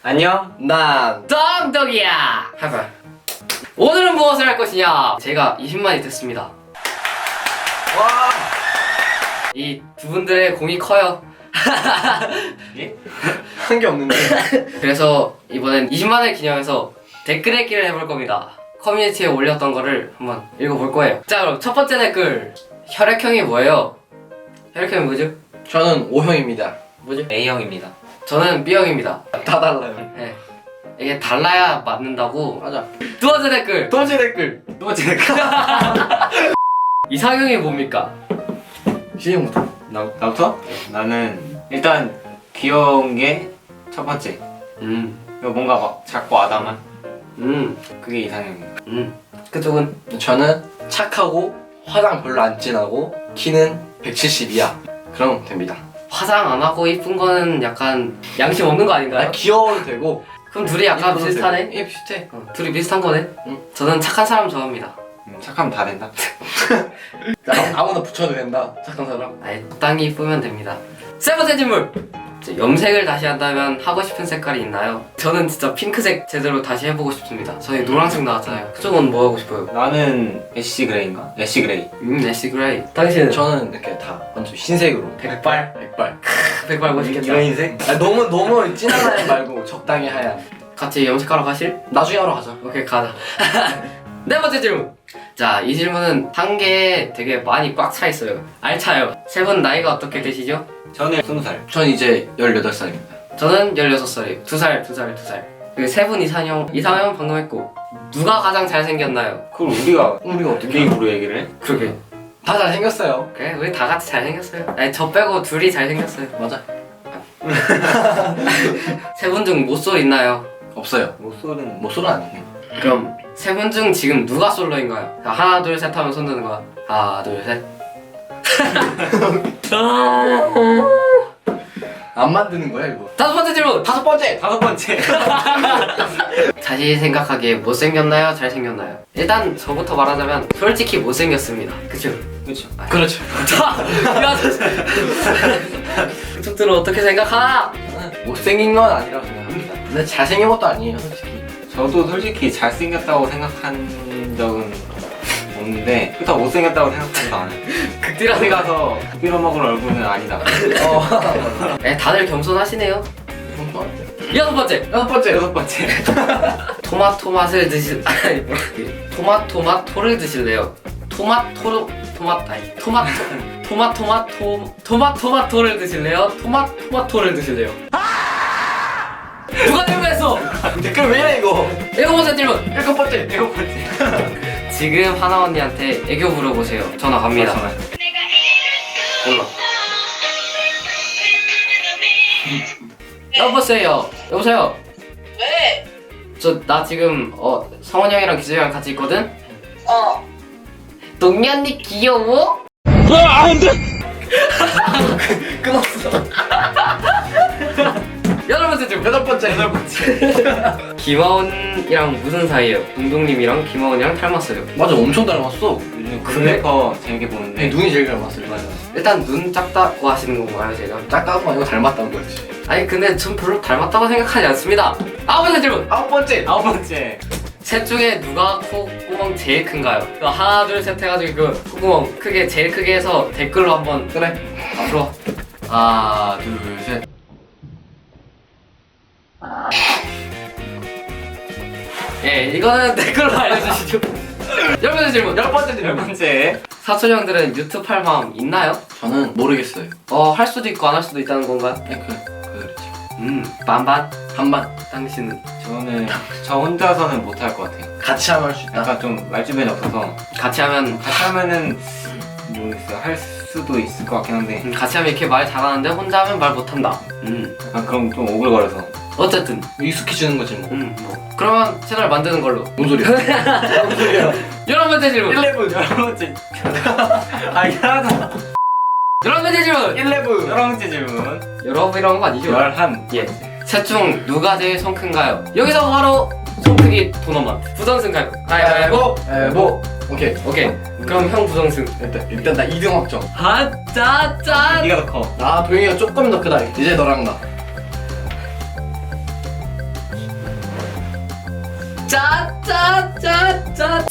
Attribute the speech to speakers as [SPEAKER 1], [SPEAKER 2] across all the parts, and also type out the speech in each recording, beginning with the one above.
[SPEAKER 1] 안녕.
[SPEAKER 2] 난
[SPEAKER 3] 덩덩이야. 해봐. 오늘은 무엇을 할 것이냐? 제가 20만이 됐습니다.
[SPEAKER 2] 와.
[SPEAKER 3] 이 두 분들의 공이 커요.
[SPEAKER 1] 예?
[SPEAKER 2] 한 게 없는데.
[SPEAKER 3] 그래서 이번엔 20만을 기념해서 댓글 읽기를 해볼 겁니다. 커뮤니티에 올렸던 거를 한번 읽어볼 거예요. 자, 그럼 첫 번째 댓글. 혈액형이 뭐예요? 혈액형이 뭐죠?
[SPEAKER 2] 저는 O형입니다.
[SPEAKER 3] 뭐죠?
[SPEAKER 1] A형입니다.
[SPEAKER 3] 저는 B형입니다.
[SPEAKER 2] 다 달라요.
[SPEAKER 3] 네. 이게 달라야 맞는다고.
[SPEAKER 2] 맞아.
[SPEAKER 3] 두 번째 댓글.
[SPEAKER 2] 두 번째 댓글.
[SPEAKER 1] 또 제가
[SPEAKER 3] 이상형이 뭡니까?
[SPEAKER 2] 시작부터.
[SPEAKER 1] 나부터? 나는 일단 귀여운 게 첫 번째. 이거 뭔가 막 작고 아담한 그게 이상형이야.
[SPEAKER 3] 그쪽은?
[SPEAKER 2] 저는 착하고 화장 별로 안 진하고 키는 170이야. 그럼 됩니다.
[SPEAKER 3] 화장 안 하고 이쁜 거는 약간 양심 없는 거 아닌가요?
[SPEAKER 2] 귀여워도 되고.
[SPEAKER 3] 그럼 둘이 약간
[SPEAKER 2] 이뻐도
[SPEAKER 3] 비슷하네?
[SPEAKER 2] 되고. 예, 비슷해.
[SPEAKER 3] 둘이 비슷한 거네?
[SPEAKER 2] 응.
[SPEAKER 3] 저는 착한 사람 좋아합니다.
[SPEAKER 1] 착하면 다 된다.
[SPEAKER 2] 아무나 붙여도 된다. 착한 사람.
[SPEAKER 3] 아예 적당히 이쁘면 됩니다. 세 번째 질문! 염색을 다시 한다면 하고 싶은 색깔이 있나요? 저는 진짜 핑크색 제대로 다시 해보고 싶습니다. 저희 노란색 나왔잖아요. 그쪽은 뭐 하고 싶어요?
[SPEAKER 1] 나는 애쉬 그레이인가? 애쉬 그레이.
[SPEAKER 3] 애쉬 그레이. 당신은?
[SPEAKER 2] 저는 이렇게 다 완전 흰색으로.
[SPEAKER 3] 백발?
[SPEAKER 2] 백발.
[SPEAKER 3] 백발 멋있겠다.
[SPEAKER 2] 이런 흰색? 아, 너무 진한 하얀 말고 적당히 하얀.
[SPEAKER 3] 같이 염색하러 가실?
[SPEAKER 2] 나중에 하러 가자.
[SPEAKER 3] 오케이, 가자. 네 번째 질문. 자, 이 질문은 한 개에 되게 많이 꽉 차 있어요. 알차요. 세 분 나이가 어떻게 되시죠?
[SPEAKER 1] 저는 20살.
[SPEAKER 2] 전 이제 18살입니다.
[SPEAKER 3] 저는 16살이에요. 2살. 그 세 분 이상형 방금 했고, 누가 가장 잘생겼나요?
[SPEAKER 1] 그걸 우리가
[SPEAKER 2] 어떻게
[SPEAKER 1] 개인으로 얘기를 해?
[SPEAKER 3] 그러게.
[SPEAKER 2] 다 잘생겼어요.
[SPEAKER 3] 그래, 우리 다 같이 잘생겼어요. 아니, 저 빼고 둘이 잘생겼어요.
[SPEAKER 2] 맞아.
[SPEAKER 3] 세 분 중 모쏠 있나요?
[SPEAKER 2] 없어요.
[SPEAKER 1] 목소리는
[SPEAKER 2] 모쏠은 아니에요.
[SPEAKER 3] 그럼 세 분 중 지금 누가 솔로인가요? 자, 하나, 둘, 셋 하면 손 드는 거야. 하나, 둘, 셋.
[SPEAKER 2] 안 만드는 거야 이거.
[SPEAKER 3] 다섯 번째 질문!
[SPEAKER 2] 다섯 번째.
[SPEAKER 3] 자신이 생각하기에 못생겼나요? 잘생겼나요? 일단 저부터 말하자면 솔직히 못생겼습니다. 그쵸?
[SPEAKER 1] 그렇죠.
[SPEAKER 2] 그렇죠.
[SPEAKER 3] 그쪽들은 어떻게 생각하나?
[SPEAKER 2] 못생긴 건 아니라고 생각합니다. 근데 잘생긴 것도 아니에요 솔직히.
[SPEAKER 1] 저도 솔직히 잘생겼다고 생각한 적은 없는데 그렇다고 못생겼다고 생각하지도 않아요.
[SPEAKER 3] 극디라는
[SPEAKER 1] 어디 가서 빌어먹을 얼굴은 아니다.
[SPEAKER 3] 다들 겸손하시네요. 여섯 번째!
[SPEAKER 1] 여섯 번째.
[SPEAKER 3] 토마토맛을 드실 아니 뭐라 토마토를 드실래요? 토마토를 드실래요? 토마토를 드실래요? 누가 질문했어?
[SPEAKER 2] 댓글 왜 이래 이거?
[SPEAKER 3] 일곱 번째 질문!
[SPEAKER 2] 일곱 번째.
[SPEAKER 3] 지금 하나 언니한테 애교 물어보세요. 전화 갑니다. 몰라. 여보세요.
[SPEAKER 4] 왜?
[SPEAKER 3] 나 지금 성원 형이랑 기수 형이랑 같이 있거든. 동미 언니 귀여워?
[SPEAKER 2] 끊었어.
[SPEAKER 3] 여덟 번째 질문.
[SPEAKER 2] 여덟 번째.
[SPEAKER 3] 김하온이랑 무슨 사이예요? 동동님이랑 김하온이랑 닮았어요.
[SPEAKER 2] 맞아, 엄청 닮았어.
[SPEAKER 1] 요즘
[SPEAKER 3] 그래?
[SPEAKER 1] 굿메이커 재밌게 보는데
[SPEAKER 2] 눈이 제일 닮았어요.
[SPEAKER 1] 맞아.
[SPEAKER 3] 일단 눈 작다고 하시는 건가요, 제가?
[SPEAKER 2] 작다는 거 아니고 닮았다는 거지.
[SPEAKER 3] 아니 근데 전 별로 닮았다고 생각하지 않습니다. 아홉 번째 질문.
[SPEAKER 2] 아홉 번째.
[SPEAKER 3] 셋 중에 누가 콧구멍 제일 큰가요? 하나 둘 셋 해가지고 그 콧구멍 크게 제일 크게 해서 댓글로 한번
[SPEAKER 2] 그래.
[SPEAKER 3] 앞으로 하나 둘 셋. 예, 이거는 댓글로 알려주시죠. 열 번째 질문.
[SPEAKER 2] 열 번째
[SPEAKER 1] 열
[SPEAKER 2] 질문.
[SPEAKER 1] 번째.
[SPEAKER 3] 사촌 형들은 유튜브 할 마음 있나요?
[SPEAKER 2] 저는 모르겠어요.
[SPEAKER 3] 할 수도 있고 안 할 수도 있다는 건가요?
[SPEAKER 2] 그렇지.
[SPEAKER 3] 반반.
[SPEAKER 2] 반반.
[SPEAKER 3] 당신은
[SPEAKER 1] 저는 저 혼자서는 못할 것 같아요.
[SPEAKER 2] 같이 하면 할 수 있다.
[SPEAKER 1] 약간 좀 말주변이 없어서
[SPEAKER 3] 같이 하면
[SPEAKER 1] 같이 하면은 모르겠어요. 할 수도 있을 것 같긴 한데
[SPEAKER 3] 같이 하면 이렇게 말 잘하는데 혼자 하면 말 못한다.
[SPEAKER 1] 약간 그럼 좀 오글거려서.
[SPEAKER 3] 어쨌든
[SPEAKER 2] 익숙해지는 거지 뭐.
[SPEAKER 3] 뭐 그러면 채널 만드는 걸로.
[SPEAKER 2] 뭔 소리야? 뭔 소리야?
[SPEAKER 3] 11번째 질문.
[SPEAKER 2] 11.
[SPEAKER 1] 열 번째. 아 이상하다.
[SPEAKER 3] 11번째 질문.
[SPEAKER 2] 11.
[SPEAKER 1] 열 번째 질문.
[SPEAKER 3] 여러분 이런 거 아니죠?
[SPEAKER 1] 열한.
[SPEAKER 3] 예. 셋 중 누가 제일 손 큰가요? 여기서 바로 손 크기 토너먼트. 부정승 가위바위보.
[SPEAKER 2] 뭐. 오케이.
[SPEAKER 3] 오케이. 그럼 형 부정승.
[SPEAKER 2] 일단 나 2등 확정.
[SPEAKER 3] 짠.
[SPEAKER 1] 네가 더 커.
[SPEAKER 2] 아, 도영이가 조금 더 크다. 이제 너랑 나.
[SPEAKER 3] 짜짜짜짜.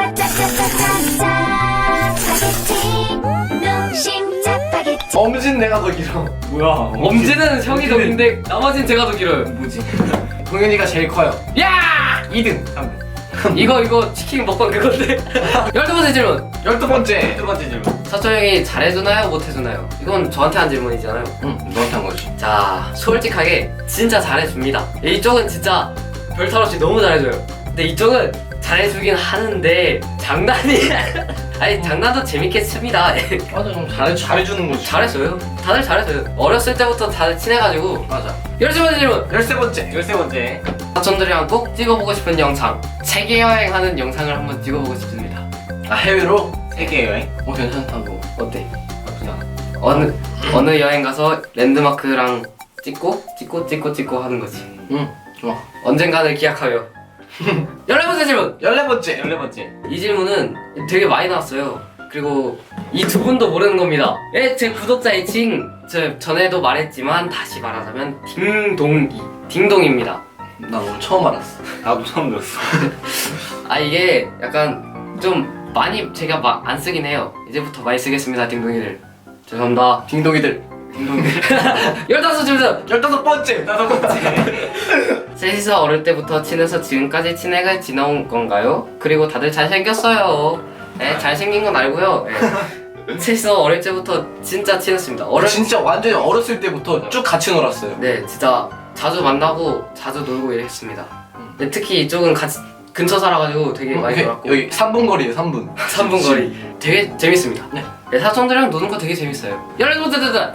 [SPEAKER 5] 짜라짜라짜짜짜짜 스파게티 농심 짜파게티
[SPEAKER 2] 엄진 내가 더 길어.
[SPEAKER 1] 뭐야?
[SPEAKER 3] 엄지는 형이 더 긴데 나머지는 제가 더 길어요.
[SPEAKER 1] 뭐지?
[SPEAKER 2] 동현이가 제일 커요.
[SPEAKER 3] 야!
[SPEAKER 1] 2등 3등.
[SPEAKER 3] 이거 치킨 먹방 그건데. 12번째 질문.
[SPEAKER 2] 12번째.
[SPEAKER 1] 두 번째 질문.
[SPEAKER 3] 사촌 형이 잘해주나요? 못해주나요? 이건 저한테 한 질문이잖아요.
[SPEAKER 2] 응, 너한테 한 거지.
[SPEAKER 3] 자, 솔직하게 진짜 잘해줍니다. 이쪽은 진짜 별탈 없이 너무 잘해줘요. 근데 이쪽은 잘해주긴 하는데 장난이 아니 장난도 재밌게 칩니다.
[SPEAKER 2] 맞아, 좀 잘해주는 거지.
[SPEAKER 3] 잘했어요. 다들 잘했어요. 어렸을 때부터 다들 친해가지고.
[SPEAKER 2] 맞아.
[SPEAKER 3] 12번째 질문.
[SPEAKER 2] 13번째.
[SPEAKER 1] 13번째.
[SPEAKER 3] 사촌들이랑 꼭 찍어보고 싶은 영상. 세계 여행하는 영상을 한번 찍어보고 싶습니다.
[SPEAKER 2] 아, 해외로?
[SPEAKER 1] 세계 여행?
[SPEAKER 2] 괜찮다고.
[SPEAKER 3] 어때?
[SPEAKER 1] 나쁘지 않아.
[SPEAKER 3] 어느 여행 가서 랜드마크랑 찍고 하는 거지.
[SPEAKER 2] 응, 좋아.
[SPEAKER 3] 언젠가는 기약하여. 14번째 질문.
[SPEAKER 2] 14번째.
[SPEAKER 1] 14번째.
[SPEAKER 3] 이 질문은 되게 많이 나왔어요. 그리고 이 두 분도 모르는 겁니다. 예, 제 구독자 애칭 저 전에도 말했지만 다시 말하자면 딩동입니다.
[SPEAKER 2] 나 오늘 처음 알았어.
[SPEAKER 1] 나도 처음 들었어.
[SPEAKER 3] 아 이게 약간 좀 많이 제가 안 쓰긴 해요. 이제부터 많이 쓰겠습니다, 딩동이들. 죄송합니다.
[SPEAKER 2] 딩동이들.
[SPEAKER 3] 딩동이들. 15질문.
[SPEAKER 2] 15번째.
[SPEAKER 1] 5번째.
[SPEAKER 3] 셋이서 어릴 때부터 친해서 지금까지 친해가 지나온 건가요? 그리고 다들 잘생겼어요. 네, 잘생긴 건 알고요. 네. 셋이서 어릴 때부터 진짜 친했습니다.
[SPEAKER 2] 진짜 완전히 어렸을 때부터 쭉 같이 놀았어요.
[SPEAKER 3] 네, 진짜 자주 만나고 자주 놀고 이랬습니다. 네, 특히 이쪽은 같이 근처 살아가지고 되게 많이 놀았고.
[SPEAKER 2] 여기 3분 거리에요, 3분.
[SPEAKER 3] 3분 거리. 되게 재밌습니다.
[SPEAKER 2] 네.
[SPEAKER 3] 네, 사촌들이랑 노는 거 되게 재밌어요. 16번째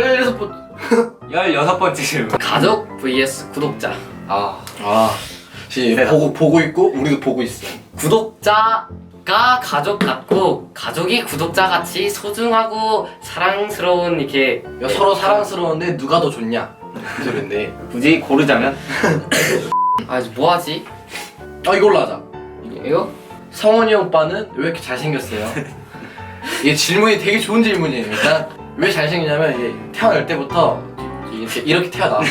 [SPEAKER 2] 16번째.
[SPEAKER 1] 질문.
[SPEAKER 3] 가족 vs 구독자.
[SPEAKER 2] 지금
[SPEAKER 1] 네.
[SPEAKER 2] 보고 있고 우리도 보고 있어.
[SPEAKER 3] 구독자가 가족 같고 가족이 구독자 같이 소중하고 사랑스러운 이렇게
[SPEAKER 2] 서로 사랑스러운데 누가 더 좋냐? 그 소리인데.
[SPEAKER 1] 굳이 고르자면
[SPEAKER 3] 아 이제 뭐 하지?
[SPEAKER 2] 이걸로 하자.
[SPEAKER 3] 이거?
[SPEAKER 2] 성원이 오빠는 왜 이렇게 잘생겼어요? 이게 질문이 되게 좋은 질문이에요. 일단 왜 잘생기냐면 이게 태어날 때부터 이렇게 태어나서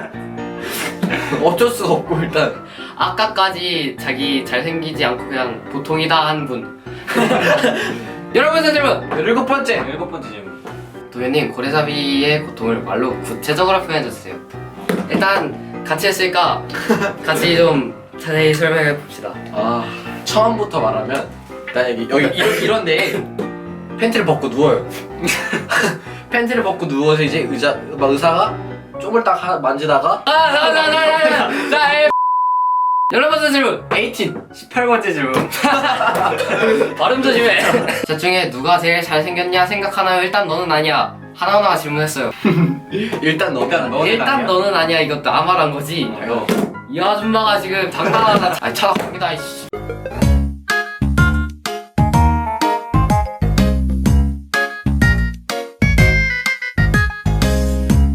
[SPEAKER 2] 어쩔 수가 없고 일단
[SPEAKER 3] 아까까지 자기 잘생기지 않고 그냥 보통이다 한 분. 11번째 질문!
[SPEAKER 2] 7번째.
[SPEAKER 1] 7번째 질문.
[SPEAKER 3] 도현님 고래잡이의 고통을 말로 구체적으로 표현해주세요. 일단 같이 했으니까 같이 좀 자세히 설명해 봅시다.
[SPEAKER 2] 처음부터 말하면 일단 여기 이런데 팬티를 벗고 누워요. 팬티를 벗고 누워서 이제 의사가 쪽을 딱 만지다가
[SPEAKER 3] 자, 11번째 질문!
[SPEAKER 1] 18번째 질문.
[SPEAKER 3] 발음 조심해. 셋 중에 누가 제일 잘생겼냐 생각하나요? 일단 너는 아니야. 하나하나 질문했어요.
[SPEAKER 2] 일단 너는
[SPEAKER 3] 일단
[SPEAKER 1] 아니야?
[SPEAKER 3] 너는 아니야. 이것도 아말한 거지. 이 아줌마가 지금 당당하다. 아니 차갑니다. 이씨.